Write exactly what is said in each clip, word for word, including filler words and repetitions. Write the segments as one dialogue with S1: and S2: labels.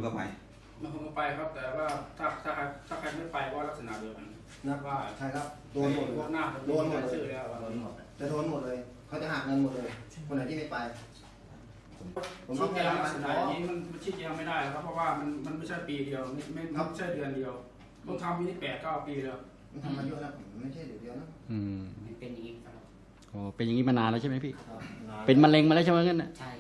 S1: ก็ไป
S2: บางคนก็ไปครับแต่ว่าถ้าถ้าถ้าใครไม่ไปก็ลักษณะเดียวกัน
S3: นะ
S2: ว่า
S3: ใช่ครับโดนหมดเลย
S2: พวกหน้าโดนหมดเลยโดนหมด
S3: จะโดนหมดเลยเขาจะหักเงินหมดเลยคนไหนที่ไม่ไปผมต้
S2: ชี้
S3: อง
S2: แจ
S3: ให้
S2: ง
S3: รับ
S2: ลักษ
S3: มัน
S2: ณะอย่างนี้มันชี้แจงไม่ได้ครับเพราะว่ามันมันไม่ใช่ปีเดียวไม่ไม่ไม่ใช่เดือนเดียวต้องทำมีนี่แปดเก้าปีแล้ว
S3: มันทำมาเยอะแล้วผมไม่ใช่เดี๋ยวเดียวนะ
S4: อืม
S5: เป็นอย่างนี้ครับ
S4: โอ้เป็นอย่างนี้มานานแล้วใช่ไหมพี่เป็นมะเร็งมาแล้วใช่ไหมงั้นน่ะ
S5: ใช่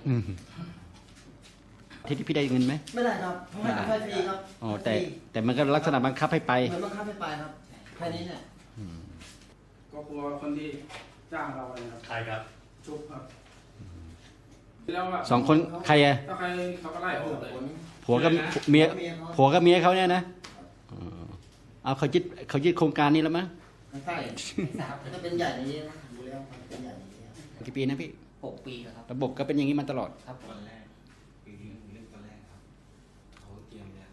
S4: ที่ที่พี่ได้เงินไหม
S3: ไม่ได้ครับเพราะให้ไปฟรีครับ
S4: อ๋อแต่แต่มันก็ลักษณะบังคับให้ไป
S3: เหมือนบังคับให้ไปครับแค่นี้เนี่ย
S2: ก็กลัวคนที่จ้างเราเลยครับ
S5: ใช่ครับ
S2: ชุบครับแล้ว
S4: สองคนใครอะ
S2: ถ้าใครเขาก็ไล่ออกเลย
S4: ผัวกับเมียผัวกับเมียเขาเนี่ยนะเอาเขายึดเขายึดโครงการนี้แล้วมั้ง
S3: ใช่ถ้าเป็นใหญ่อย่างนี้นะดูแล้วเป็นใหญ่อย่างนี้
S4: กี่ปีนะพี่
S5: หกปีครับ
S4: ระบบก็เป็นอย่างนี้มาตลอด
S5: ครับ
S1: ตอนแรกปีนี้เรื่องตอนแรกครับเขาเตรียมเนี่ย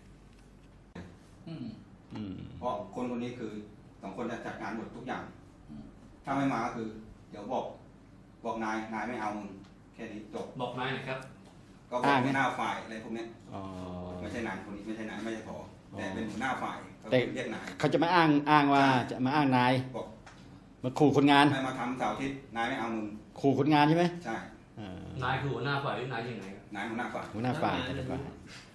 S1: เพราะคนคนนี้คือสองคนจะจัดงานหมดทุกอย่างถ้าไม่มาก็คือเดี๋ยวบอกบอกนายนายไม่เอามึงแค่นี้จบ
S5: บอกนายหน่อยครับ
S1: ก็บอกหัวหน้าฝ่ายอะไรพวกนี้ไม่ใช่นายคนนี้ไม่ใช่นายไม่ใช่พอแต่เป็นหัวหน้าฝ่ายเขาเรียกนาย
S4: เขาจะมาอ้างอ้างว่าจะมาอ้างนาย
S1: บอก
S4: มาขู่คนงาน
S1: ให้มาทำเสาร์อาทิตย์นายไม่เอามึง
S4: ขู่คนงานใช่ไหม
S1: ใช่
S5: นายคือหัวหน้าฝ่ายหรือนายยังไง
S1: นายหัวหน้าฝ่าย
S4: หัวหน้าฝ่ายแต่ละฝ่าย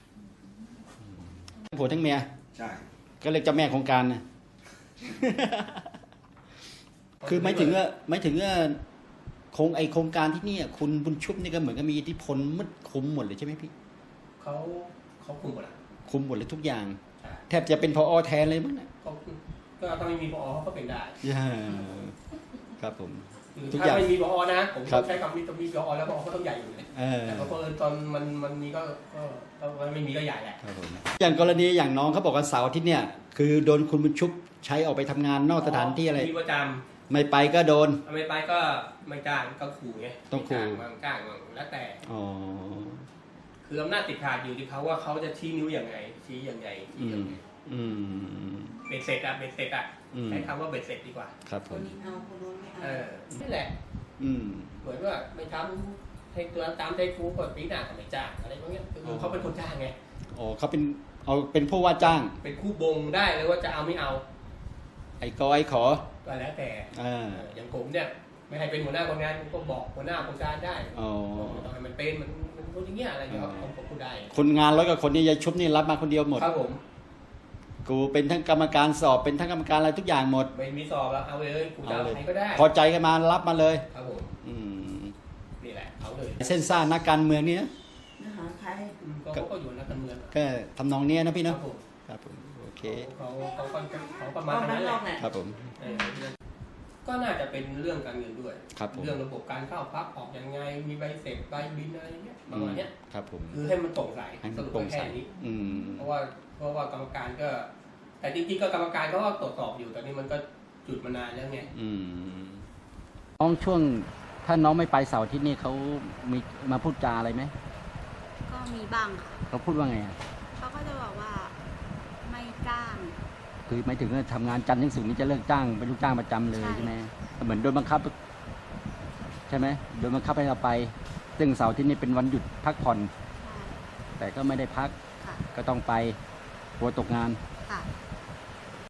S4: ทั้งผัวทั้งเมีย
S1: ใช่
S4: ก็เลยเจ้าแม่โครงการนะคือไม่ถึงว่าไม่ถึงว่าโครงไอโครงการที่นี่คุณบุญชุบนี่ก็เหมือนกับมีอิทธิพลมืดคุมหมดเลยใช่ไหมพี่
S5: เขาเขาคุมหมดอะ
S4: คุมหมดเลยทุกอย่างแทบจะเป็นพอแทนเลยมั้งนะ
S5: ก็ถ้าไม่มีพอเขาก็เป็นได้
S4: ครับผม
S5: ถ้าไม่มีพอนะผมใช้คำนี้ต้องมีพอแล้วพอก็ต้องใหญ่อยู่เลยแต่พอตอนมันมันมีก็ก็ไม่มีก็ใหญ่แหละ
S4: อย่างกรณีอย่างน้องเขาบอกว่าเสาร์อาทิตย์เนี่ยคือโดนคุณบุญชุบใช้ออกไปทำงานนอกสถานที่อะไร
S5: มีประจำ
S4: ไม่ไปก็โดน
S5: ไม่ไปก็ไม่จ้างก็ขู่ไง
S4: ต้องขู่
S5: บางจ้างแล้วแต่
S4: อ๋อ
S5: คืออำนาจติดขาดอยู่ที่เขาว่าเขาจะชี้นิ้วยังไงชี้ยังไงชี้ยังไงเบ็ดเสร็จอะเบ็ดเสร็จอะใช้คำว่าเบ็ดเสร็จดีกว่า
S4: ครับ
S3: คนนี้เอาคนนู้นไม่เอา
S5: เออนี่แหละเหมือนว่าไม่ทำให้ตัวตามใจครูกดปีหน้าก็ไม่จ้างอะไรพวกนี้คือเขาเป็นคนจ้างไง
S4: อ๋อเขาเป็นเอาเป็นผู้ว่าจ้าง
S5: เป็นคู่บงได้เลยว่าจะเอาไม่เอา
S4: ไอ้กอไอ้ขอ
S5: ก็แล้วแต่อย่างผมเนี่ยไม่ให้เป็นหัวหน้าคนงานก็บอกหัวหน้าคนการได้ต้องให้มันเป็นมันมันพูดอย่างเงี้ยอะไรอย่างเงี้ยผมก็พูดได้
S4: คนงานร้อยกับคนนี้ยายชุบนี่รับมาคนเดียวหมด
S5: ครับผม
S4: กูเป็นทั้งกรรมการสอบเป็นทั้งกรรมการอะไรทุกอย่างหมด
S5: ไม่มีสอบแล้วเอาเลยกูจะเอาใครก็ได้
S4: พอใจกันมารับมาเลย
S5: ครับผมนี่แหละเอาเลย
S4: เส้นซ่านักการเมืองนี่นะ
S3: ใคร
S5: ก็ก็อยู่นักการเมือง
S4: ก็ทำนองเนี้ยนะพี่เนาะ
S5: ครับผม
S4: โอเค
S5: เขาเขาเขาประมาณนั้นแหละ
S4: ครับผม
S5: ก็น่าจะเป็นเรื่องการเงินด้วยเรื่องระบบการเข้าพักออกยังไงมีใบเสร็จใบบินอะไรเงี้ยประมาณเนี้ย
S4: ครับผม
S5: คือให้มันโปร่งใสสรุปแค่นี้เพราะว่าเพราะว่ากรรมการก็แต่จริงๆก็กรรมการก็ตรวจสอบอยู่แต่นี่มันก็จุดมานานแล้วไง
S4: น้องช่วงถ้าน้องไม่ไปเสาร์อาทิตย์นี่เขามีมาพูดจาอะไรไหม
S6: ก็มีบ้างค่ะ
S4: เขาพูดว่าไง
S6: เขาก็จะบอกว่าไม่จ้าง
S4: คือไม่ถึงว่าทำงานจันทร์ถึงศุกร์นี่จะเลิกจ้างเป็นลูกจ้างประจำเลยใช่ไหมเหมือนโดนบังคับใช่ไหมโดนบังคับให้เราไปซึ่งเสาร์อาทิตย์นี่เป็นวันหยุดพักผ่อนแต่ก็ไม่ได้พักก็ต้องไปกลัวตกงาน